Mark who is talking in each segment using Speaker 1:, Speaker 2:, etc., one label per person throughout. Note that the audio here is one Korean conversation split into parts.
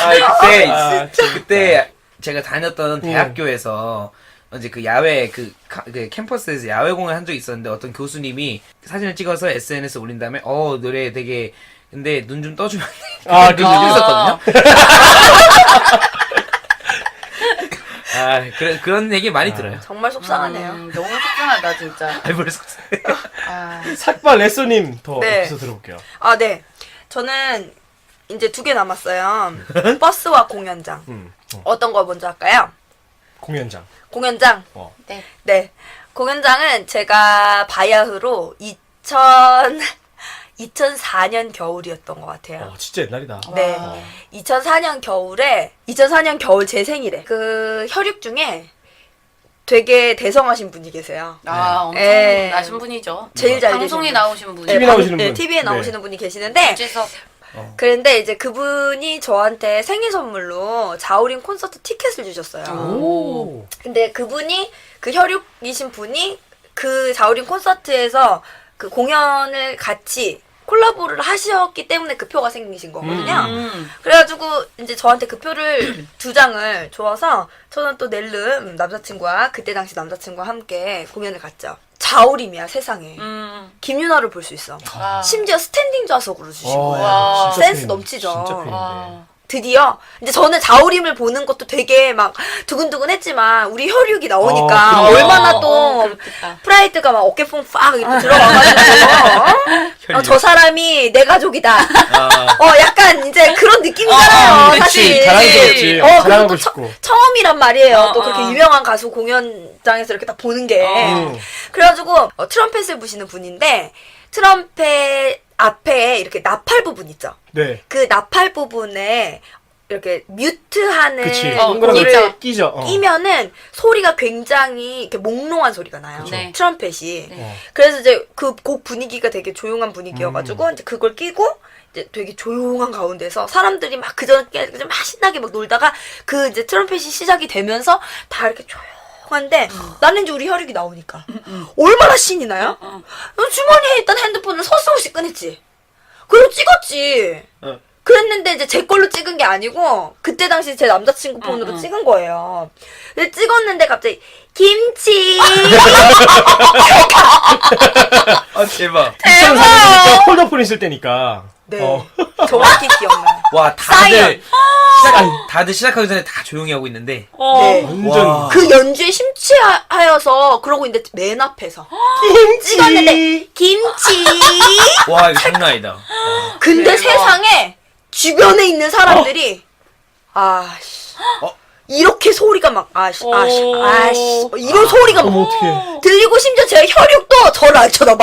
Speaker 1: 그때 제가 다녔던 대학교에서 이제 그 야외 그 캠퍼스에서 야외 공연 한 적이 있었는데 어떤 교수님이 사진을 찍어서 SNS에 올린 다음에 노래 되게 근데 눈 좀 떠주면 안 돼. 있었거든요. 그런 얘기 많이 들어요.
Speaker 2: 정말 속상하네요.
Speaker 3: 너무 속상하다 진짜.
Speaker 1: 알벌 속상.
Speaker 4: 삭발 레쏘님 더
Speaker 2: 네.
Speaker 4: 에피소드 들어볼게요.
Speaker 2: 네. 저는 이제 2개 남았어요. 버스와 공연장. 어떤 거 먼저 할까요?
Speaker 4: 공연장.
Speaker 2: 공연장.
Speaker 3: 네.
Speaker 2: 네. 공연장은 제가 바야흐로 2004년 겨울이었던 것 같아요.
Speaker 4: 진짜 옛날이다.
Speaker 2: 네. 2004년 겨울 제 생일에 그 혈육 중에 되게 대성하신 분이 계세요.
Speaker 3: 엄청
Speaker 2: 네.
Speaker 3: 나신 분이죠.
Speaker 2: 제일 잘
Speaker 3: 방송에
Speaker 2: 되신 분.
Speaker 3: 나오시는 분이.
Speaker 4: TV 나오시는 분.
Speaker 2: TV에 나오시는 분이 계시는데
Speaker 3: 주제석.
Speaker 2: 그런데 이제 그분이 저한테 생일 선물로 자우림 콘서트 티켓을 주셨어요.
Speaker 4: 오.
Speaker 2: 근데 그분이 그 혈육이신 분이 그 자우림 콘서트에서 그 공연을 같이 콜라보를 하셨기 때문에 그 표가 생기신 거거든요. 그래가지고 이제 저한테 그 표를 2장을 줘서 저는 또 낼름 남자친구와 그때 당시 남자친구와 함께 공연을 갔죠. 자우림이야 세상에. 김윤아를 볼 수 있어. 심지어 스탠딩 좌석으로 주신 거예요.
Speaker 3: 와.
Speaker 2: 센스 넘치죠.
Speaker 4: 진짜 팬인데.
Speaker 2: 드디어 이제 저는 자우림을 보는 것도 되게 막 두근두근했지만 우리 혈육이 나오니까 얼마나 또
Speaker 3: 그렇겠다.
Speaker 2: 프라이드가 막 어깨뽕 팍 이렇게 들어가가지고 저 사람이 내 가족이다. 약간 이제 그런 느낌이잖아요. 사실.
Speaker 4: 자랑스럽지.
Speaker 2: 그리고
Speaker 4: 자랑하고
Speaker 2: 또
Speaker 4: 싶고.
Speaker 2: 처음이란 말이에요. 또 그렇게 유명한 가수 공연장에서 이렇게 딱 보는 게. 그래가지고 트럼펫을 부시는 분인데 트럼펫 앞에 이렇게 나팔 부분 있죠.
Speaker 4: 네.
Speaker 2: 그 나팔 부분에 이렇게 뮤트하는
Speaker 4: 그치.
Speaker 2: 거를
Speaker 4: 끼죠.
Speaker 2: 끼면은 소리가 굉장히 이렇게 몽롱한 소리가 나요.
Speaker 3: 네.
Speaker 2: 트럼펫이. 그래서 이제 그 곡 분위기가 되게 조용한 분위기여가지고 이제 그걸 끼고 이제 되게 조용한 가운데서 사람들이 막 그전에 막 신나게 막 놀다가 그 이제 트럼펫이 시작이 되면서 다 이렇게 조용한데 나는 이제 우리 혈육이 나오니까 얼마나 신이 나요? 주머니에 있던 핸드폰을 서슴없이 꺼냈지. 그리고 찍었지. 그랬는데 이제 제 걸로 찍은 게 아니고 그때 당시 제 남자친구 폰으로 찍은 거예요. 근데 찍었는데 갑자기 김치
Speaker 1: 대박.
Speaker 4: 대박. 폴더폰 있을 때니까.
Speaker 2: 네 정확히 기억나요.
Speaker 1: 와
Speaker 2: 사이언.
Speaker 1: 다들 시작하기 전에 다 조용히 하고 있는데.
Speaker 2: 네.
Speaker 4: 완전.
Speaker 2: 그 연주에 심취하여서 그러고 있는데 맨 앞에서 찍었는데 김치.
Speaker 1: 와 이거 장난 아니다.
Speaker 2: 근데
Speaker 3: 대박.
Speaker 2: 세상에 주변에 있는 사람들이 이렇게 소리가 막 이런 소리가 막
Speaker 4: 어떡해.
Speaker 2: 들리고 심지어 제 혈육도 저를 안 쳐다봐.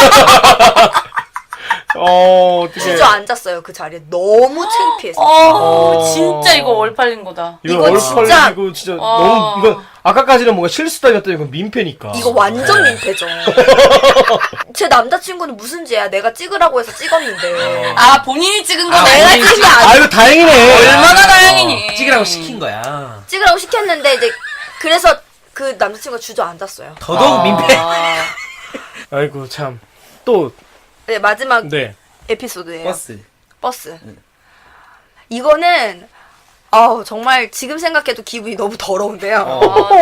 Speaker 4: 어떡해.
Speaker 2: 주저앉았어요 그 자리에. 너무 창피했어.
Speaker 3: 진짜 이거 얼팔린 거다.
Speaker 4: 이거
Speaker 2: 이거 진짜-
Speaker 4: 얼팔리고 진짜 너무 이거 아까까지는 뭔가 실수다였더니 이건 민폐니까.
Speaker 2: 이거 완전 민폐죠. 제 남자친구는 무슨 죄야. 내가 찍으라고 해서 찍었는데.
Speaker 3: 본인이 찍은
Speaker 1: 아,
Speaker 3: 거네.
Speaker 2: 내가
Speaker 1: 본인이
Speaker 2: 찍은 게 아니야.
Speaker 4: 이거 다행이네.
Speaker 3: 얼마나 다행이니.
Speaker 1: 찍으라고 시킨 거야.
Speaker 2: 찍으라고 시켰는데 이제 그래서 그 남자친구가 주저앉았어요.
Speaker 1: 더더욱 민폐.
Speaker 4: 아이고 참. 또
Speaker 2: 네, 마지막
Speaker 4: 네.
Speaker 2: 에피소드예요.
Speaker 1: 버스.
Speaker 2: 이거는 정말 지금 생각해도 기분이 너무 더러운데요.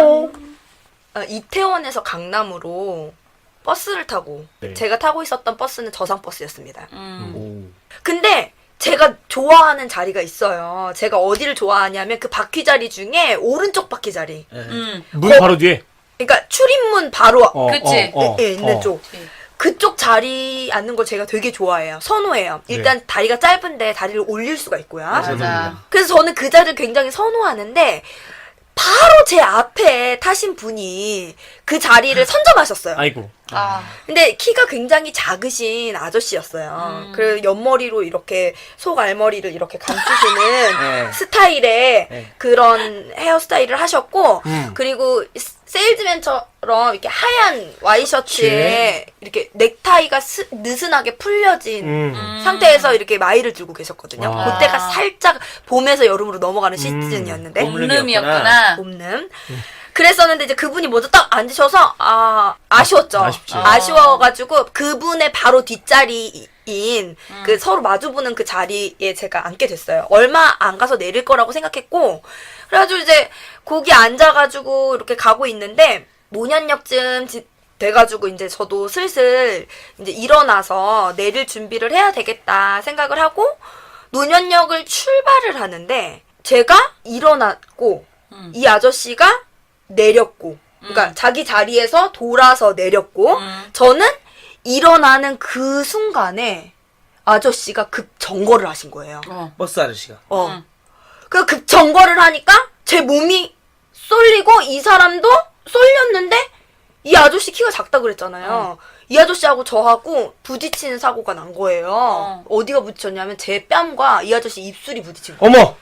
Speaker 2: 이태원에서 강남으로 버스를 타고
Speaker 4: 네.
Speaker 2: 제가 타고 있었던 버스는 저상버스였습니다.
Speaker 1: 오.
Speaker 2: 근데 제가 좋아하는 자리가 있어요. 제가 어디를 좋아하냐면 그 바퀴 자리 중에 오른쪽 바퀴 자리.
Speaker 4: 문 바로 뒤에.
Speaker 2: 그러니까 출입문 바로
Speaker 3: 그치.
Speaker 2: 있는 쪽. 그쪽 자리 앉는 걸 제가 되게 좋아해요. 선호해요. 일단 다리가 짧은데 다리를 올릴 수가 있고요.
Speaker 3: 맞아.
Speaker 2: 그래서 저는 그 자리를 굉장히 선호하는데 바로 제 앞에 타신 분이 그 자리를 선점하셨어요.
Speaker 4: 아이고.
Speaker 2: 근데 키가 굉장히 작으신 아저씨였어요. 그리고 옆머리로 이렇게 속 알머리를 이렇게 감추시는
Speaker 1: 네.
Speaker 2: 스타일의
Speaker 1: 네.
Speaker 2: 그런 헤어스타일을 하셨고 그리고 세일즈맨처럼 이렇게 하얀 와이셔츠에 이렇게 넥타이가 느슨하게 풀려진 상태에서 이렇게 마이를 들고 계셨거든요.
Speaker 4: 와.
Speaker 2: 그때가 살짝 봄에서 여름으로 넘어가는 시즌이었는데
Speaker 3: 봄름이었구나.
Speaker 2: 봄름. 그랬었는데 이제 그분이 먼저 딱 앉으셔서 아쉬웠죠.
Speaker 4: 아쉽지.
Speaker 2: 아쉬워가지고 그분의 바로 뒷자리에 그 서로 마주보는 그 자리에 제가 앉게 됐어요. 얼마 안 가서 내릴 거라고 생각했고, 그래가지고 이제 거기 앉아가지고 이렇게 가고 있는데 노년역쯤 돼가지고 이제 저도 슬슬 이제 일어나서 내릴 준비를 해야 되겠다 생각을 하고 노년역을 출발을 하는데 제가 일어났고 이 아저씨가 내렸고, 그러니까 자기 자리에서 돌아서 내렸고, 저는 일어나는 그 순간에 아저씨가 급 정거를 하신 거예요.
Speaker 1: 버스 아저씨가.
Speaker 2: 그 급 정거를 하니까 제 몸이 쏠리고 이 사람도 쏠렸는데 이 아저씨 키가 작다 그랬잖아요. 이 아저씨하고 저하고 부딪히는 사고가 난 거예요. 어디가 부딪혔냐면 제 뺨과 이 아저씨 입술이 부딪힌 거예요.
Speaker 4: 어머!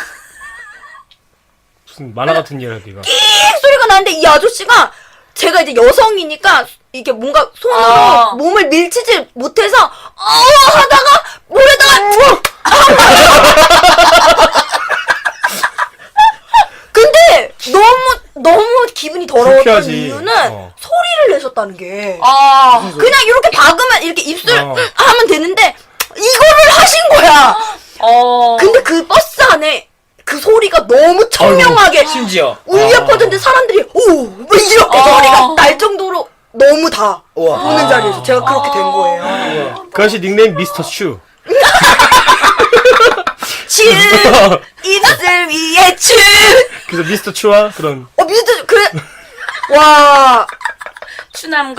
Speaker 4: 무슨 만화 같은 얘기야, 네가.
Speaker 2: 삑 소리가 나는데 이 아저씨가 제가 이제 여성이니까 이게 뭔가 손으로 몸을 밀치지 못해서 하다가 물에다가 근데 너무 기분이 더러웠던
Speaker 4: 불쾌하지.
Speaker 2: 이유는 소리를 내셨다는 게
Speaker 3: 아,
Speaker 2: 그냥 이렇게 박으면 이렇게 입술 하면 되는데 이거를 하신 거야. 근데 그 버스 안에 그 소리가 너무 청명하게
Speaker 1: 심지어.
Speaker 2: 울려 퍼졌는데 사람들이 뭐 이렇게 소리가 날 정도로 너무 다
Speaker 1: 우와.
Speaker 2: 보는 자리에서 제가 그렇게 된 거예요.
Speaker 4: 그 아저씨 닉네임 미스터 슈.
Speaker 2: 츄 입술 위에 츄.
Speaker 4: 그래서 미스터 츄와 그런.
Speaker 2: 미스터 그래. 와.
Speaker 3: 추남과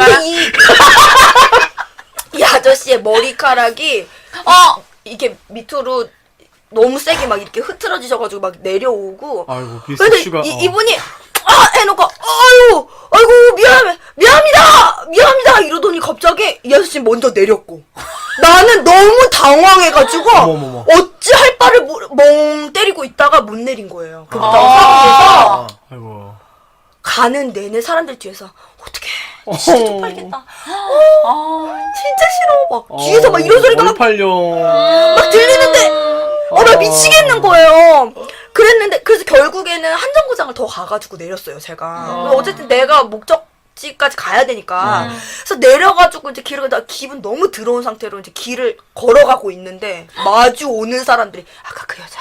Speaker 2: 이 아저씨의 머리카락이 이게 밑으로 너무 세게 막 이렇게 흐트러지셔가지고 막 내려오고.
Speaker 4: 아이고 미스터
Speaker 2: 근데
Speaker 4: 슈가.
Speaker 2: 이분이 해놓고 아이고 미안합니다 이러더니 갑자기 이 아저씨 먼저 내렸고 나는 너무 당황해가지고
Speaker 4: 어머머머.
Speaker 2: 어찌 할 바를 멍 때리고 있다가 못 내린 거예요. 그 상황에서
Speaker 4: 아이고.
Speaker 2: 가는 내내 사람들 뒤에서 어떡해 진짜 쪽팔리겠다. 진짜 싫어. 막 뒤에서 막 이런 소리가 막
Speaker 4: 얼팔려.
Speaker 2: 들리는데 나 미치겠는 거예요. 그래서 결국에는 한 정거장을 더 가가지고 내렸어요, 제가. 어쨌든 내가 목적지까지 가야 되니까. 그래서 내려가지고 이제 길을 나 기분 너무 더러운 상태로 이제 길을 걸어가고 있는데 마주 오는 사람들이 아까 그 여자,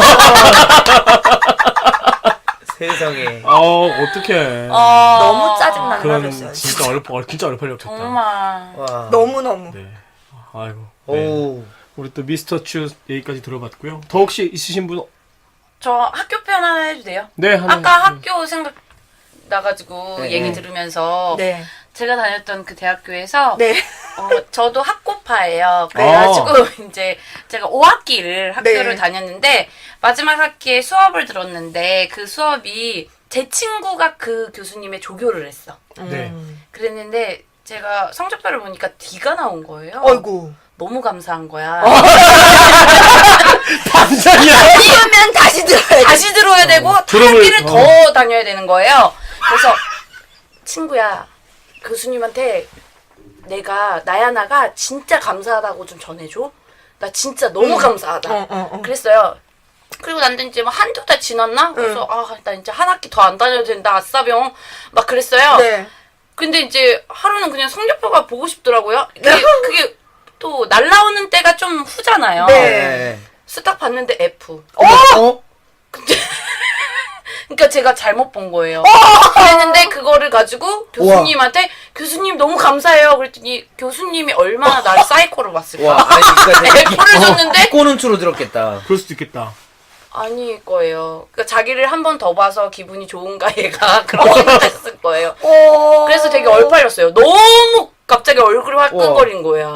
Speaker 1: 세상에.
Speaker 4: 어떡해.
Speaker 2: 너무 짜증나는
Speaker 4: 그런
Speaker 2: 하루였어요.
Speaker 4: 진짜 진짜 얼팔렸겠다.
Speaker 3: 정말.
Speaker 1: 와.
Speaker 2: 너무너무.
Speaker 4: 네. 아이고.
Speaker 1: 오.
Speaker 4: 네. 우리 또 미스터 츄 얘기까지 들어봤고요. 더 혹시 있으신 분?
Speaker 3: 저 학교 편 하나 해도 돼요?
Speaker 4: 네, 하나.
Speaker 3: 아까 학교 생각 나가지고
Speaker 1: 네.
Speaker 3: 얘기 들으면서
Speaker 2: 네.
Speaker 3: 제가 다녔던 그 대학교에서
Speaker 2: 네.
Speaker 3: 저도 학고파예요. 그래가지고 이제 제가 5학기를 학교를
Speaker 2: 네.
Speaker 3: 다녔는데 마지막 학기에 수업을 들었는데 그 수업이 제 친구가 그 교수님의 조교를 했어.
Speaker 4: 네.
Speaker 3: 그랬는데 제가 성적표를 보니까 D가 나온 거예요.
Speaker 2: 아이고.
Speaker 3: 너무 감사한 거야.
Speaker 4: 감사이야.
Speaker 2: 이러면 다시 들어야 돼.
Speaker 3: 다시 들어야 되고 학기를 더 다녀야 되는 거예요. 그래서 친구야, 교수님한테 내가 나야나가 진짜 감사하다고 좀 전해줘. 나 진짜 너무 감사하다. 그랬어요. 그리고 난 이제 뭐 한두 달 지났나? 그래서 나 이제 한 학기 더 안 다녀도 된다. 아싸병. 막 그랬어요.
Speaker 2: 네.
Speaker 3: 근데 이제 하루는 그냥 성적표가 보고 싶더라고요. 그게 또 날라오는 때가 좀 후잖아요.
Speaker 2: 네.
Speaker 3: 딱 봤는데 F.
Speaker 1: 어?
Speaker 3: 그러니까 제가 잘못 본 거예요. 그랬는데 그거를 가지고 교수님한테 교수님 너무 감사해요. 그랬더니 교수님이 얼마나 나를 사이코로 봤을까.
Speaker 1: 와, 아니, 그러니까
Speaker 3: F를 줬는데
Speaker 1: 꼬는 추로 들었겠다.
Speaker 4: 그럴 수도 있겠다.
Speaker 3: 아닐 거예요. 그러니까 자기를 한 번 더 봐서 기분이 좋은가 얘가 그런 생각했을 거예요. 그래서 되게 얼팔렸어요. 너무 갑자기 얼굴이 화끈거린 거야.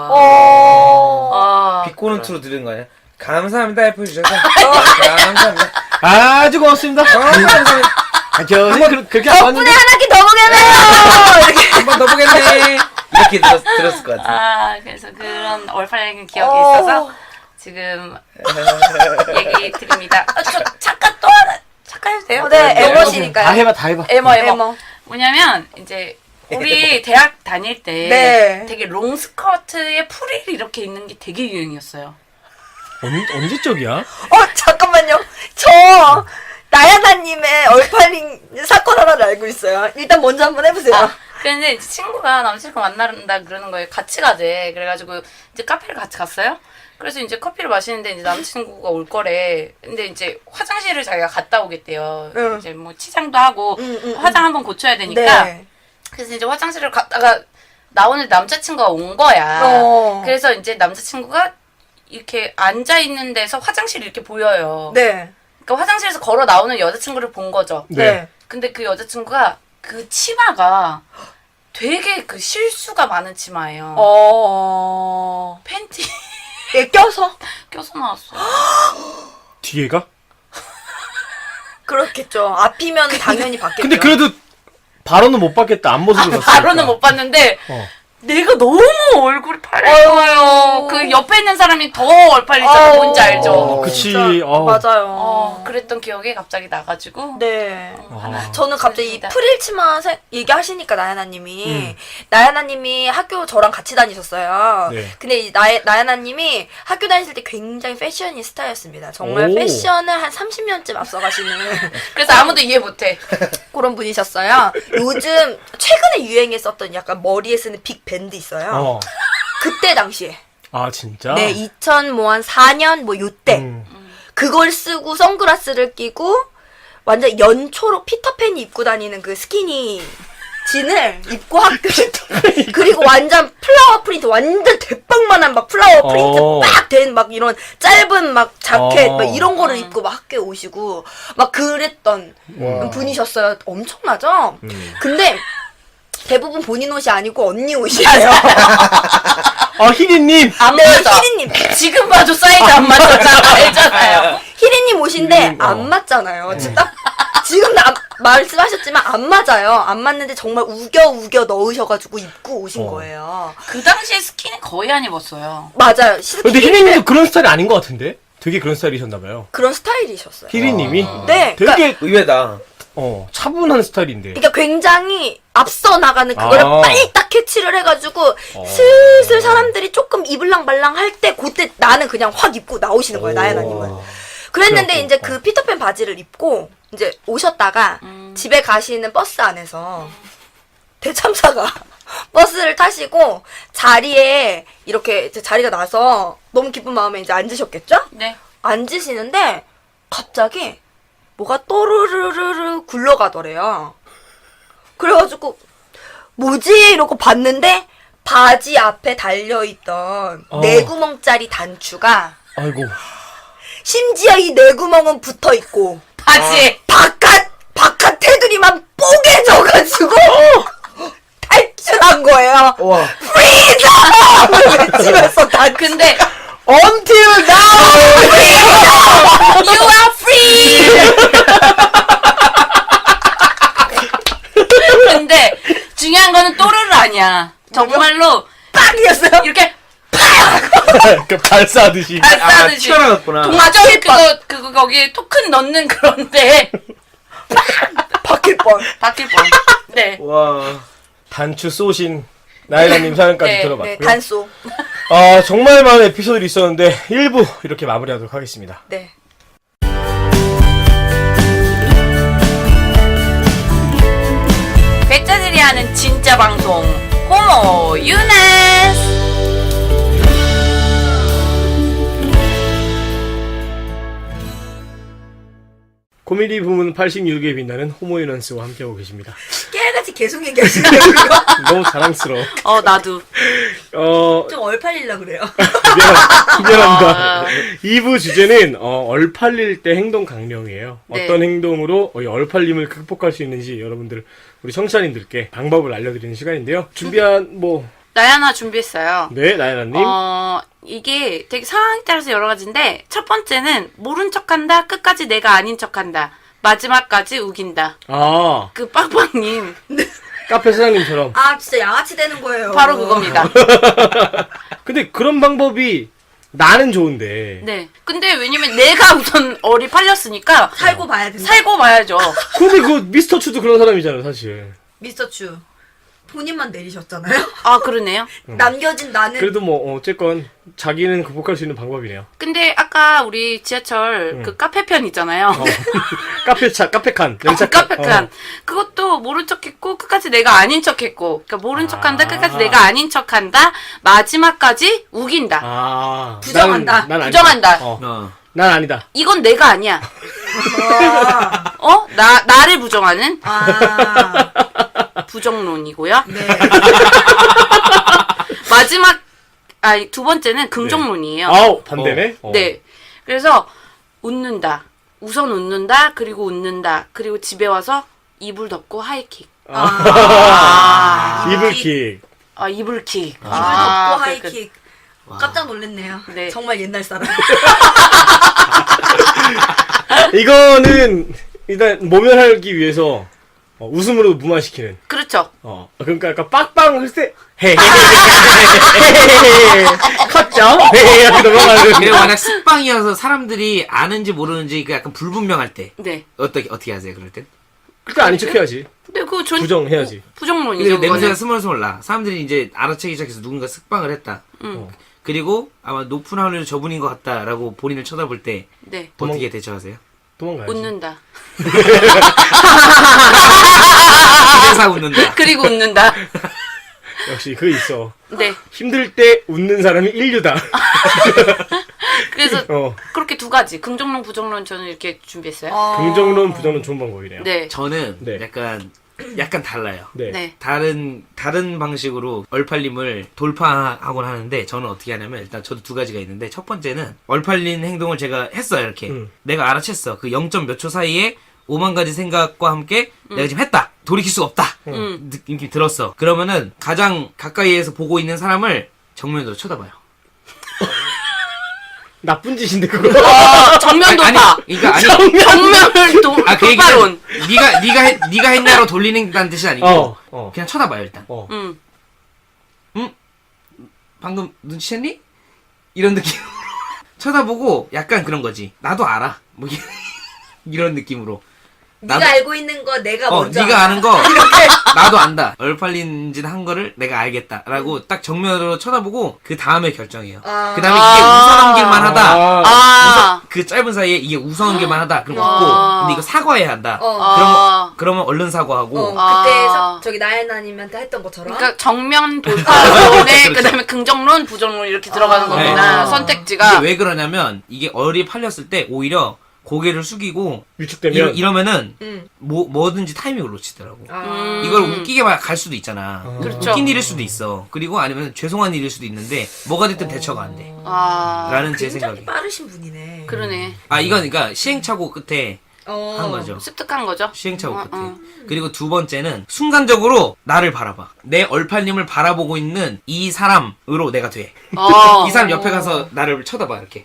Speaker 1: 비꼬는 추로 들은 거 아니야? 감사합니다, F 주셔서. 감사합니다.
Speaker 4: 아주 고맙습니다.
Speaker 1: 감사합니다.
Speaker 4: 교수님 그렇게 안
Speaker 2: 덕분에
Speaker 4: 봤는데.
Speaker 2: 한 학기 더 보겠네요. 이렇게.
Speaker 1: 한 번 더 보겠네. 이렇게 들었을 것 같아.
Speaker 3: 그래서 그런 얼팔린 기억이 있어서 지금 얘기 드립니다. 저 잠깐 또 하나 잠깐 해도 돼요?
Speaker 2: 네,
Speaker 4: 네,
Speaker 2: 에머시니까요.
Speaker 4: 다 해봐, 다 해봐.
Speaker 3: 에머. 뭐냐면 이제 우리 대학 다닐 때
Speaker 2: 네.
Speaker 3: 되게 롱 스커트에 프릴 이렇게 있는 게 되게 유행이었어요.
Speaker 4: 언제적이야?
Speaker 2: 잠깐만요. 저 나야나님의 얼팔린 사건 하나를 알고 있어요. 일단 먼저 한번 해보세요.
Speaker 3: 근데 이제 친구가 남자친구 만나는다 그러는 거예요. 같이 가재. 그래가지고 이제 카페를 같이 갔어요. 그래서 이제 커피를 마시는데 이제 남자친구가 올 거래. 근데 이제 화장실을 자기가 갔다 오겠대요.
Speaker 2: 응.
Speaker 3: 이제 뭐 치장도 하고 화장 한번 고쳐야 되니까.
Speaker 2: 네.
Speaker 3: 그래서 이제 화장실을 갔다가 나오는 남자친구가 온 거야. 그래서 이제 남자친구가 이렇게 앉아 있는 데서 화장실이 이렇게 보여요.
Speaker 2: 네.
Speaker 3: 그러니까 화장실에서 걸어 나오는 여자친구를 본 거죠.
Speaker 2: 네.
Speaker 3: 근데 그 여자친구가 그 치마가 되게 그 실수가 많은 치마예요. 팬티
Speaker 2: 예, 껴서?
Speaker 3: 껴서 나왔어.
Speaker 4: 뒤에가?
Speaker 2: 그렇겠죠. 앞이면 당연히 받겠죠.
Speaker 4: 근데 그래도 바로는 못 받겠다. 앞모습을 봤으니까.
Speaker 3: 바로는 못 봤는데
Speaker 4: 어.
Speaker 3: 내가 너무 얼굴이 파란 거예요. 그 옆에 있는 사람이 더 얼팔리잖아. 뭔지 알죠?
Speaker 4: 그치.
Speaker 2: 진짜 맞아요.
Speaker 3: 그랬던 기억이 갑자기 나가지고.
Speaker 2: 네.
Speaker 4: 아.
Speaker 2: 저는 갑자기 이
Speaker 3: 그렇습니다.
Speaker 2: 프릴치마 얘기하시니까 나야나님이 나야나님이 학교 저랑 같이 다니셨어요.
Speaker 4: 네.
Speaker 2: 근데 이 나야나님이 학교 다니실 때 굉장히 패셔니스타였습니다. 정말
Speaker 4: 오.
Speaker 2: 패션을 한 30년쯤 앞서가시는
Speaker 3: 그래서 아무도 이해 못해.
Speaker 2: 그런 분이셨어요. 요즘 최근에 유행했었던 약간 머리에 쓰는 빅 밴드 있어요.
Speaker 4: 어.
Speaker 2: 그때 당시에.
Speaker 4: 아 진짜?
Speaker 2: 네, 2004년 뭐 요때. 그걸 쓰고 선글라스를 끼고 완전 연초록 피터팬이 입고 다니는 그 스키니 진을 입고 학교 그리고 완전 플라워 프린트 완전 대빵만한 막 플라워 프린트 막 된 막 이런 짧은 막 자켓 막 이런 거를 입고 막 학교에 오시고 막 그랬던 분이셨어요. 엄청나죠? 근데 대부분 본인 옷이 아니고 언니 옷이에요.
Speaker 4: 희리님.
Speaker 3: 안
Speaker 2: 네,
Speaker 3: 맞아.
Speaker 2: 희리님.
Speaker 3: 지금 봐도 사이즈 안 맞잖아. 알잖아요.
Speaker 2: 희리님 옷인데
Speaker 4: 희리님,
Speaker 2: 안 맞잖아요. 진짜 지금 말씀하셨지만 안 맞아요. 안 맞는데 정말 우겨 넣으셔가지고 입고 오신 거예요.
Speaker 3: 그 당시에 스키는 거의 안 입었어요.
Speaker 2: 맞아요.
Speaker 4: 근데 희리님도 그런 스타일이 아닌 것 같은데? 되게 그런 스타일이셨나봐요.
Speaker 2: 그런 스타일이셨어요.
Speaker 4: 희리님이?
Speaker 2: 네.
Speaker 4: 되게
Speaker 1: 의외다.
Speaker 4: 차분한 스타일인데.
Speaker 2: 그러니까 굉장히 앞서 나가는 그거를
Speaker 4: 아.
Speaker 2: 빨리 딱 캐치를 해가지고 슬슬 사람들이 조금 입을랑 말랑 할 때 그때 나는 그냥 확 입고 나오시는 거예요. 나야나님은. 그랬는데
Speaker 4: 그래갖고,
Speaker 2: 이제 그 피터팬 바지를 입고 이제 오셨다가 집에 가시는 버스 안에서 대참사가 버스를 타시고 자리에 이렇게 이제 자리가 나서 너무 기쁜 마음에 이제 앉으셨겠죠?
Speaker 3: 네.
Speaker 2: 앉으시는데 갑자기 뭐가 또르르르르 굴러가더래요. 그래가지고 뭐지? 이러고 봤는데 바지 앞에 달려있던 내구멍짜리 단추가
Speaker 4: 아이고.
Speaker 2: 심지어 이 내구멍은 붙어있고
Speaker 3: 바지에.
Speaker 2: 바깥 테두리만 뽀개져가지고 탈출한 거예요.
Speaker 1: 와.
Speaker 2: 프리덤! 외치면서
Speaker 3: 근데
Speaker 4: Until now!
Speaker 3: You are free! 근데 중요한 거는 또르르 아니야. 정말로
Speaker 2: 빡이었어요.
Speaker 3: 이렇게
Speaker 4: 그 발사하듯이.
Speaker 3: 발사하듯이
Speaker 1: 튀어나왔구나.
Speaker 3: 동아줄 그거 거기에 토큰 넣는 그런데
Speaker 2: 바뀔 뻔.
Speaker 3: 바뀔 뻔. 네.
Speaker 1: 와.
Speaker 4: 단추 쏘신 나이라님 사연까지
Speaker 3: 네,
Speaker 4: 들어봤고요.
Speaker 2: 네, 단소.
Speaker 4: 정말 많은 에피소드들이 있었는데 1부 이렇게 마무리하도록 하겠습니다.
Speaker 2: 네.
Speaker 3: 백자들이 하는 진짜 방송 호모 유나스.
Speaker 4: 코미디 부문 86에 빛나는 호모유난스와 함께하고 계십니다.
Speaker 2: 깨알같이 계속 얘기하시는 거예요.
Speaker 4: 너무 자랑스러워.
Speaker 3: 나도.
Speaker 2: 좀 얼팔리려고 그래요.
Speaker 4: 미안합니다. 2부 주제는 얼팔릴 때 행동 강령이에요.
Speaker 3: 네.
Speaker 4: 어떤 행동으로 이 얼팔림을 극복할 수 있는지 여러분들 우리 청취자님들께 방법을 알려드리는 시간인데요. 준비한
Speaker 3: 나야나 준비했어요.
Speaker 4: 네 나연아님.
Speaker 3: 이게 되게 상황에 따라서 여러 가지인데 첫 번째는 모른 척한다. 끝까지 내가 아닌 척한다. 마지막까지 우긴다. 그 빵빵님
Speaker 4: 카페 사장님처럼.
Speaker 2: 아 진짜 양아치 되는 거예요.
Speaker 3: 바로 그겁니다.
Speaker 4: 근데 그런 방법이 나는 좋은데.
Speaker 3: 네. 근데 왜냐면 내가 우선 얼이 팔렸으니까
Speaker 2: 살고 봐야 된다.
Speaker 3: 살고 봐야죠.
Speaker 4: 근데 그 미스터 추도 그런 사람이잖아요 사실.
Speaker 2: 미스터 추. 본인만 내리셨잖아요.
Speaker 3: 아 그러네요.
Speaker 2: 남겨진 나는
Speaker 4: 그래도 뭐 어쨌건 자기는 극복할 수 있는 방법이네요.
Speaker 3: 근데 아까 우리 지하철 그 카페편 있잖아요.
Speaker 4: 카페칸 연착칸.
Speaker 3: 카페칸 그것도 모른 척했고 끝까지 내가 아닌 척했고. 그러니까 모른 척한다. 끝까지 내가 아닌 척한다. 마지막까지 우긴다.
Speaker 4: 아
Speaker 2: 부정한다.
Speaker 4: 난
Speaker 3: 부정한다.
Speaker 1: 어.
Speaker 4: 난 아니다.
Speaker 3: 이건 내가 아니야.
Speaker 2: 아,
Speaker 3: 나를 부정하는
Speaker 2: 아,
Speaker 3: 부정론이고요.
Speaker 2: 네.
Speaker 3: 마지막 두 번째는 긍정론이에요.
Speaker 4: 아우 반대네.
Speaker 3: 네. 그래서 웃는다. 우선 웃는다. 그리고 웃는다. 그리고 집에 와서 이불 덮고 하이킥.
Speaker 4: 이불킥.
Speaker 3: 이불킥.
Speaker 2: 이불 덮고
Speaker 3: 그,
Speaker 2: 하이킥. 깜짝 놀랐네요.
Speaker 3: 네.
Speaker 2: 정말 옛날 사람.
Speaker 4: 이거는 일단 모면하기 위해서 웃음으로 무마시키는.
Speaker 3: 그렇죠.
Speaker 4: 그러니까 약간 빡빵 할 때 컸죠? 이렇게 넘어가는.
Speaker 1: 그리고 만약 습방이어서 사람들이 아는지 모르는지 그 약간 불분명할 때
Speaker 3: 네.
Speaker 1: 어떻게 하세요 그럴 땐?
Speaker 4: 그때 아닌 척해야지.
Speaker 3: 근데 그거
Speaker 4: 부정해야지.
Speaker 3: 부정론이죠.
Speaker 1: 근데 냄새가
Speaker 3: 그거는.
Speaker 1: 스멀스멀 나. 사람들이 이제 알아채기 시작해서 누군가 습방을 했다. 그리고 아마 높은 확률로 저분인 것 같다라고 본인을 쳐다볼 때
Speaker 3: 네.
Speaker 1: 어떻게 대처하세요?
Speaker 4: 도망가야지.
Speaker 3: 웃는다.
Speaker 1: 회사 웃는다.
Speaker 3: 그리고 웃는다.
Speaker 4: 역시 그거 있어.
Speaker 3: 네.
Speaker 4: 힘들 때 웃는 사람이 인류다.
Speaker 3: 그래서
Speaker 4: 어.
Speaker 3: 그렇게 두 가지 긍정론, 부정론 저는 이렇게 준비했어요.
Speaker 4: 긍정론, 부정론 좋은 방법이네요.
Speaker 3: 네.
Speaker 1: 저는
Speaker 4: 네.
Speaker 1: 약간 달라요.
Speaker 4: 네.
Speaker 3: 네.
Speaker 1: 다른 방식으로 얼팔림을 돌파하곤 하는데 저는 어떻게 하냐면 일단 저도 두 가지가 있는데 첫 번째는 얼팔린 행동을 제가 했어요 이렇게 내가 알아챘어 그 0. 몇 초 사이에 5만 가지 생각과 함께 내가 지금 했다 돌이킬 수가 없다 느낌이 들었어 그러면은 가장 가까이에서 보고 있는 사람을 정면으로 쳐다봐요.
Speaker 4: 나쁜 짓인데 그거.
Speaker 3: 정면 돌파.
Speaker 1: 그러니까 아니
Speaker 3: 정면을
Speaker 1: 그 얘기는
Speaker 3: 돌파론.
Speaker 1: 네가 했냐로 돌리는 뜻이 아니고 그냥 쳐다봐요 일단. 방금 눈치챘니? 이런 느낌. 쳐다보고 약간 그런 거지. 나도 알아. 뭐 이런 느낌으로.
Speaker 2: 네가 알고 있는 거 내가 먼저
Speaker 1: 네가
Speaker 2: 알아.
Speaker 1: 아는 거 나도 안다. 얼팔린 짓 한 거를 내가 알겠다라고 딱 정면으로 쳐다보고 그 다음에 결정해요. 그 다음에 이게 웃어넘길만 하다. 그 짧은 사이에 이게 웃어넘길만 하다. 그럼 웃고 근데 이거 사과해야 한다. 그러면 얼른 사과하고.
Speaker 2: 그때 저기 나연아님한테 했던 것처럼.
Speaker 3: 그러니까 정면 돌파론에
Speaker 1: 그렇죠.
Speaker 3: 그다음에 긍정론, 부정론 이렇게 들어가는 거구나.
Speaker 1: 네.
Speaker 3: 선택지가.
Speaker 1: 이게 왜 그러냐면 이게 얼이 팔렸을 때 오히려 고개를 숙이고
Speaker 4: 위축되면
Speaker 1: 이러면은 뭐든지 타이밍을 놓치더라고. 이걸 웃기게 갈 수도 있잖아.
Speaker 3: 그렇죠.
Speaker 1: 웃긴 일일 수도 있어. 그리고 아니면 죄송한 일일 수도 있는데 뭐가 됐든 대처가 안 돼. 라는 제
Speaker 2: 굉장히
Speaker 1: 생각이.
Speaker 2: 빠르신 분이네.
Speaker 3: 그러네.
Speaker 1: 이건 그러니까 시행착오 끝에 한 거죠.
Speaker 3: 습득한 거죠.
Speaker 1: 시행착오 끝에. 그리고 두 번째는 순간적으로 나를 바라봐. 내 얼팔림을 바라보고 있는 이 사람으로 내가 돼. 이 사람 옆에 가서 나를 쳐다봐 이렇게.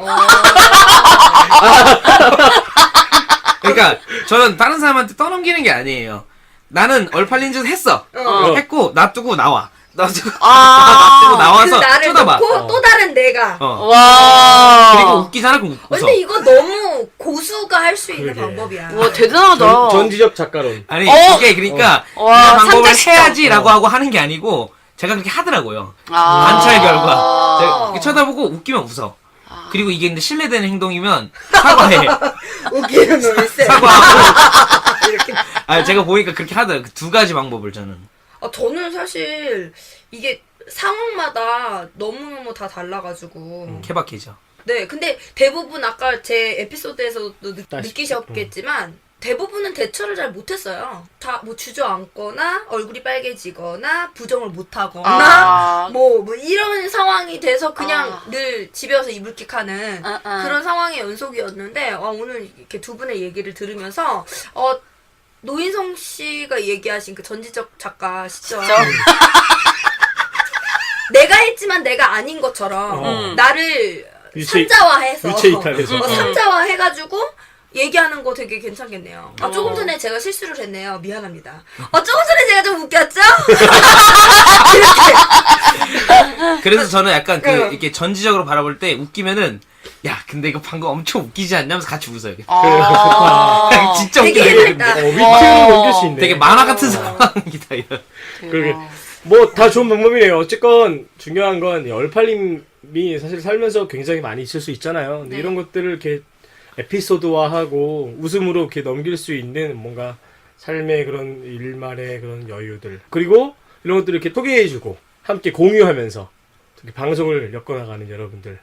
Speaker 1: 그러니까 저는 다른 사람한테 떠넘기는 게 아니에요. 나는 얼팔린 짓 했어. 했고 놔두고 나와. 놔두고 나와서
Speaker 2: 그 나를
Speaker 1: 쳐다봐.
Speaker 2: 놓고 또 다른 내가.
Speaker 3: 와.
Speaker 1: 그리고 웃기잖아. 그럼 웃어.
Speaker 2: 근데 이거 너무 고수가 할 수 있는
Speaker 4: 그러게.
Speaker 2: 방법이야.
Speaker 3: 와 대단하다.
Speaker 4: 전지적 작가론.
Speaker 1: 아니 이게 그러니까
Speaker 3: 와,
Speaker 1: 이런 방법을
Speaker 3: 상대시켜.
Speaker 1: 해야지라고 하고 하는 게 아니고 제가 그렇게 하더라고요. 관찰 결과. 제가 이렇게 쳐다보고 웃기면 웃어. 그리고 이게 근데 신뢰되는 행동이면 사과해.
Speaker 2: 웃기는 놈이 쎄.
Speaker 1: 사과하고. 이렇게. 제가 보니까 그렇게 하더라고요. 그 두 가지 방법을 저는.
Speaker 2: 저는 사실 이게 상황마다 너무너무 다 달라가지고.
Speaker 1: 케바케죠.
Speaker 2: 네, 근데 대부분 아까 제 에피소드에서도 느끼셨겠지만 대부분은 대처를 잘 못했어요. 다 뭐 주저앉거나 얼굴이 빨개지거나 부정을 못하거나 뭐 이런 상황이 돼서 그냥 늘 집에 와서 이불킥하는 그런 상황의 연속이었는데 오늘 이렇게 두 분의 얘기를 들으면서 노인성 씨가 얘기하신 그 전지적 작가 시점 내가 했지만 내가 아닌 것처럼 나를 산자화해서
Speaker 4: 위체 이탈해서.
Speaker 2: 산자화해가지고 얘기하는 거 되게 괜찮겠네요. 조금 전에 제가 실수를 했네요. 미안합니다. 조금 전에 제가 좀 웃겼죠?
Speaker 1: 그래서 저는 약간 이렇게 전지적으로 바라볼 때 웃기면은 야 근데 이거 방금 엄청 웃기지 않냐면서 같이 웃어요. 진짜
Speaker 2: 되게
Speaker 1: 웃기다.
Speaker 2: 해맑다.
Speaker 4: 위트로 넘길 수 있네.
Speaker 1: 되게 만화 같은 상황이다 이런.
Speaker 4: 그러게. 뭐 다 좋은 방법이네요. 어쨌건 중요한 건 얼팔림이 사실 살면서 굉장히 많이 있을 수 있잖아요. 근데 이런 것들을 이렇게 에피소드화하고 웃음으로 이렇게 넘길 수 있는 뭔가 삶의 그런 일말의 그런 여유들, 그리고 이런 것들을 이렇게 소개해주고 함께 공유하면서 이렇게 방송을 엮어나가는 여러분들,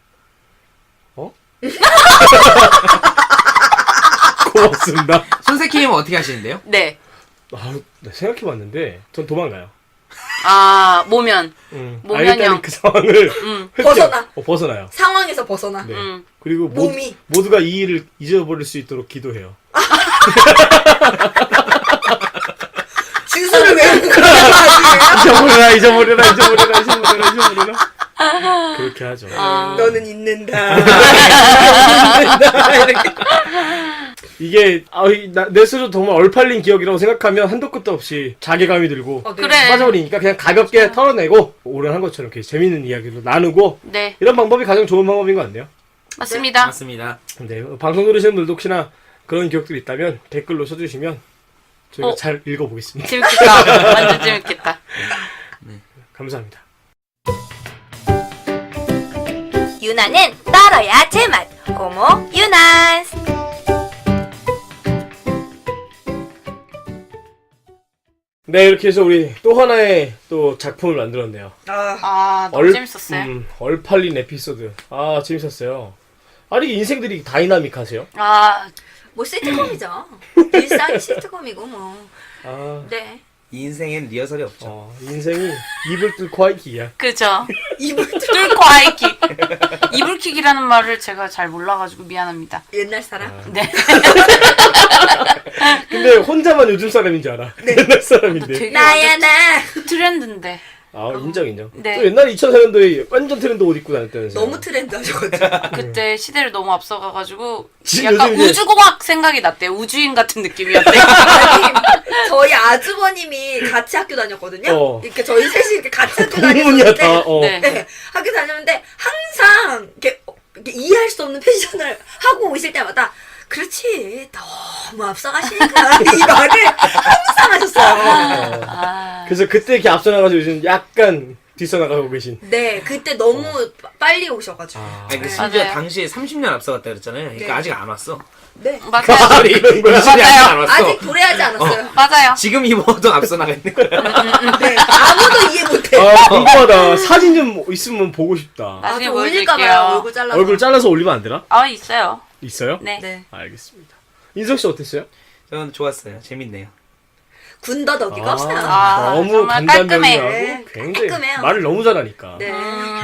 Speaker 4: 고맙습니다.
Speaker 1: 손세키님은 어떻게 하시는데요?
Speaker 3: 네.
Speaker 4: 네, 생각해봤는데 전 도망가요.
Speaker 3: 모면. 모면형.
Speaker 4: 일단은 그 상황을
Speaker 2: 벗어나.
Speaker 4: 벗어나요.
Speaker 2: 상황에서 벗어나.
Speaker 4: 네. 그리고
Speaker 2: 몸이.
Speaker 4: 모두가 이 일을 잊어버릴 수 있도록 기도해요.
Speaker 2: 주소를 외우는 거야.
Speaker 4: 잊어버려라. 그렇게 하죠.
Speaker 2: 너는 잊는다.
Speaker 4: 이게 내 스스로 정말 얼팔린 기억이라고 생각하면 한도 끝도 없이 자괴감이 들고
Speaker 2: 네.
Speaker 3: 그래.
Speaker 4: 빠져버리니까 그냥 가볍게 털어내고 오랜 한 것처럼 이렇게 재밌는 이야기로 나누고
Speaker 3: 네.
Speaker 4: 이런 방법이 가장 좋은 방법인 것 같네요.
Speaker 3: 맞습니다.
Speaker 1: 맞습니다.
Speaker 4: 네, 방송 들으시는 분들도 혹시나 그런 기억들이 있다면 댓글로 써주시면 저희가
Speaker 3: 어.
Speaker 4: 잘 읽어보겠습니다.
Speaker 3: 재밌겠다. 완전 재밌겠다.
Speaker 4: 감사합니다.
Speaker 2: 유나는 떨어야 제맛. 고모 유나스.
Speaker 4: 네, 이렇게 해서 우리 또 하나의 또 작품을 만들었네요.
Speaker 3: 너무 재밌었어요.
Speaker 4: 얼팔린 에피소드. 재밌었어요. 아니, 인생들이 다이나믹하세요?
Speaker 2: 뭐 시트콤이죠. 일상이 시트콤이고 뭐. 네.
Speaker 1: 인생엔 리허설이 없죠.
Speaker 4: 인생이 입을 뚫고 하이키야.
Speaker 3: 그죠.
Speaker 2: 이불
Speaker 3: 뚫고 하이킥. 이불킥이라는 말을 제가 잘 몰라가지고 미안합니다.
Speaker 2: 옛날 사람.
Speaker 3: 네.
Speaker 4: 근데 혼자만 요즘 사람인 줄 알아. 옛날 사람인데.
Speaker 3: 되게
Speaker 2: 나야 나.
Speaker 3: 트렌드인데.
Speaker 4: 인정.
Speaker 3: 네.
Speaker 4: 또 옛날에 2004년도에 완전 트렌드 옷 입고 다녔다면서요.
Speaker 2: 너무 트렌드 하셔가지고.
Speaker 3: 그때 시대를 너무 앞서가가지고
Speaker 4: 지금
Speaker 3: 약간
Speaker 4: 요즘 이제-
Speaker 3: 우주공학 생각이 났대요. 우주인 같은 느낌이었대요.
Speaker 2: 아니, 저희 아주버님이 같이 학교 다녔거든요. 이렇게 저희 셋이 이렇게 같이 학교
Speaker 4: 공문이야,
Speaker 2: 다녔는데.
Speaker 4: 다.
Speaker 3: 네.
Speaker 2: 네, 학교 다녔는데 항상 이렇게 이해할 수 없는 패션을 하고 오실 때마다 그렇지 너무 앞서가시니까 이 말을 항상 하셨어요.
Speaker 4: 그래서 그때 이렇게 앞서 나가서 요즘 약간 뒤서 나가고 계신.
Speaker 2: 네, 그때 너무 빨리 오셔가지고.
Speaker 1: 아니, 심지어
Speaker 3: 맞아요.
Speaker 1: 당시에 30년 앞서갔다 그랬잖아요. 그러니까
Speaker 2: 네.
Speaker 1: 아직 안 왔어.
Speaker 2: 네,
Speaker 3: 맞아요.
Speaker 4: 그런 거야.
Speaker 1: 이슬이 아직 안 왔어.
Speaker 2: 아직 도래하지 않았어요.
Speaker 3: 맞아요.
Speaker 1: 지금 입어도 앞서 나가 있는 거야.
Speaker 2: 네, 아무도 이해 못해.
Speaker 4: 궁금하다. 사진 좀 있으면 보고 싶다.
Speaker 3: 나중에
Speaker 2: 좀 올릴까봐요.
Speaker 3: 보여드릴게요.
Speaker 2: 얼굴 잘라서.
Speaker 4: 얼굴 잘라서 올리면 안 되나?
Speaker 3: 있어요.
Speaker 4: 있어요?
Speaker 3: 네.
Speaker 2: 네.
Speaker 4: 알겠습니다. 인석 씨 어땠어요?
Speaker 1: 저는 좋았어요. 재밌네요.
Speaker 2: 군더더기가 없어요.
Speaker 4: 너무
Speaker 3: 정말 깔끔해.
Speaker 4: 간단명료하고
Speaker 2: 네,
Speaker 4: 굉장히
Speaker 2: 깔끔해요.
Speaker 4: 말을 너무 잘하니까.
Speaker 2: 네,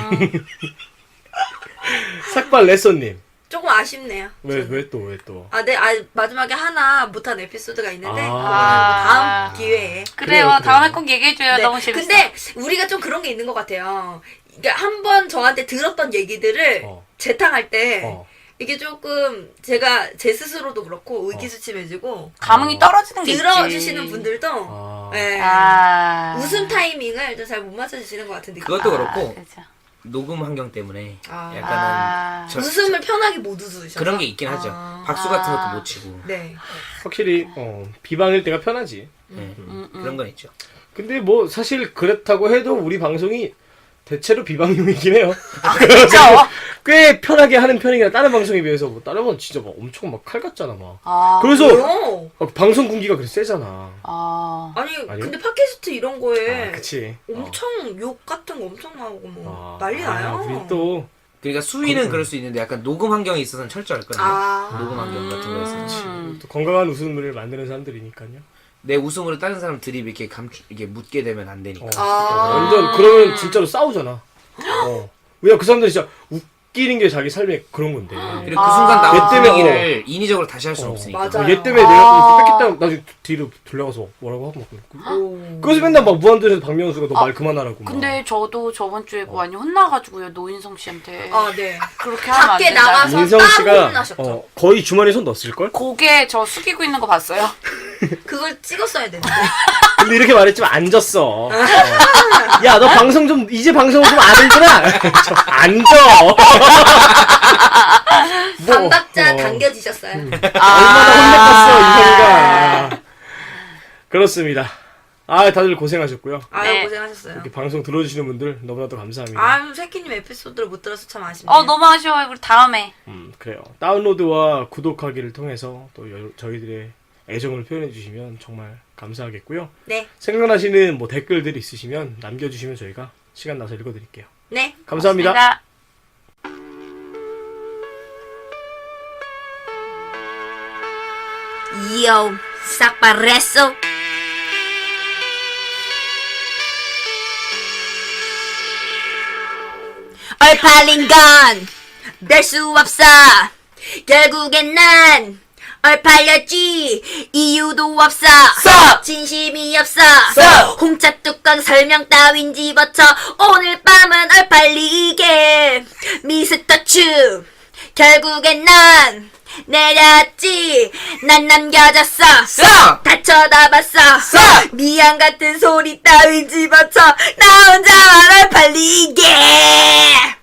Speaker 4: 삭발 레서님.
Speaker 2: 조금 아쉽네요.
Speaker 4: 왜 또?
Speaker 2: 네, 마지막에 하나 못한 에피소드가 있는데 그거는 뭐
Speaker 3: 아.
Speaker 2: 다음 기회에.
Speaker 3: 그래요. 다음에 꼭 얘기해줘요.
Speaker 2: 네,
Speaker 3: 너무 재밌어.
Speaker 2: 근데 우리가 좀 그런 게 있는 것 같아요. 이게 한 번 저한테 들었던 얘기들을 재탕할 때 이게 조금 제가 제 스스로도 그렇고 의기소침해지고
Speaker 3: 감흥이 떨어지는 게 있지.
Speaker 2: 들어주시는 분들도 네, 웃음 타이밍을 좀 잘 못 맞춰주시는 것 같은 느낌.
Speaker 1: 그것도 그렇고
Speaker 3: 그렇죠.
Speaker 1: 녹음 환경 때문에
Speaker 2: 아.
Speaker 1: 약간은
Speaker 2: 웃음을 편하게 못 웃으셔서
Speaker 1: 그런 게 있긴 하죠. 박수 같은 것도 못 치고.
Speaker 2: 네.
Speaker 4: 확실히 비방일 때가 편하지.
Speaker 1: 네. 그런 건 있죠.
Speaker 4: 근데 뭐 사실 그렇다고 해도 우리 방송이 대체로 비방용이긴 해요.
Speaker 3: 그렇죠.
Speaker 4: 꽤 편하게 하는 편이긴 다른 방송에 비해서 뭐 다른 건 진짜 막 엄청 막 칼 같잖아 막. 그래서
Speaker 2: 왜요?
Speaker 4: 방송 군기가 그렇게 세잖아.
Speaker 2: 아니
Speaker 4: 아니요?
Speaker 2: 근데 팟캐스트 이런 거에
Speaker 4: 그치.
Speaker 2: 엄청 욕 같은 거 엄청 나오고 뭐 난리 나요.
Speaker 4: 우리 또
Speaker 1: 그러니까 수위는 그럴 수 있는데 약간 녹음 환경에 있어서는 철저할 거예요. 녹음 환경 같은 거에서.
Speaker 4: 또 건강한 웃음을 만드는 사람들이니까요.
Speaker 1: 내 웃음으로 다른 사람 드립 이렇게 이게 묻게 되면 안 되니까.
Speaker 4: 완전 그러면 진짜로 싸우잖아. 왜냐 그 사람들 진짜 웃기는 게 자기 삶의 그런 건데.
Speaker 1: 그리고 그 순간 나온
Speaker 4: 얘 때문에,
Speaker 1: 분위기를 인위적으로 다시 할 수는 없으니까.
Speaker 2: 맞아요.
Speaker 4: 얘 때문에 내가 뺏겠다 나중에 뒤로 돌려가서 뭐라고 하고 막 그래서 맨날 막 무한도전에서 박명수가 너 말 그만하라고 막.
Speaker 3: 근데 저도 저번 주에 많이 혼나가지고요. 노인성 씨한테.
Speaker 2: 네.
Speaker 3: 그렇게 하면 안
Speaker 2: 밖에
Speaker 3: 된다.
Speaker 2: 나가서
Speaker 4: 인성
Speaker 2: 따로
Speaker 4: 씨가
Speaker 2: 혼나셨죠.
Speaker 4: 거의 주머니에 손 넣었을걸?
Speaker 3: 고개 저 숙이고 있는 거 봤어요?
Speaker 2: 그걸 찍었어야 되는데.
Speaker 4: 근데 이렇게 말했지만 안 졌어. 야, 너 방송 좀, 이제 방송 좀 아는구나? 안 져!
Speaker 2: 반박자 당겨지셨어요.
Speaker 4: 얼마나 혼냈겠어, 인성이가. 그렇습니다. 아, 다들 고생하셨고요.
Speaker 2: 아유
Speaker 3: 네.
Speaker 2: 고생하셨어요.
Speaker 4: 이렇게 방송 들어주시는 분들 너무나도 감사합니다.
Speaker 2: 아유 새끼님 에피소드를 못 들어서 참 아쉽네요.
Speaker 3: 너무 아쉬워요. 우리 다음에.
Speaker 4: 그래요. 다운로드와 구독하기를 통해서 또 저희들의 애정을 표현해주시면 정말 감사하겠고요.
Speaker 2: 네.
Speaker 4: 생각나시는 뭐 댓글들이 있으시면 남겨주시면 저희가 시간 나서 읽어드릴게요.
Speaker 2: 네.
Speaker 4: 감사합니다.
Speaker 3: 고맙습니다.
Speaker 2: Yo, 싹바레소. 얼팔린 건 별 수 없어. 결국엔 난 얼팔렸지. 이유도 없어. 진심이 없어. 홍차 뚜껑 설명 따윈 집어쳐. 오늘 밤은 얼팔리게. 미스터 츄. 결국엔 난 내렸지. 난 남겨졌어. 다 쳐다봤어. 미안 같은 소리 따윈 집어쳐. 나 혼자만 얼팔리게.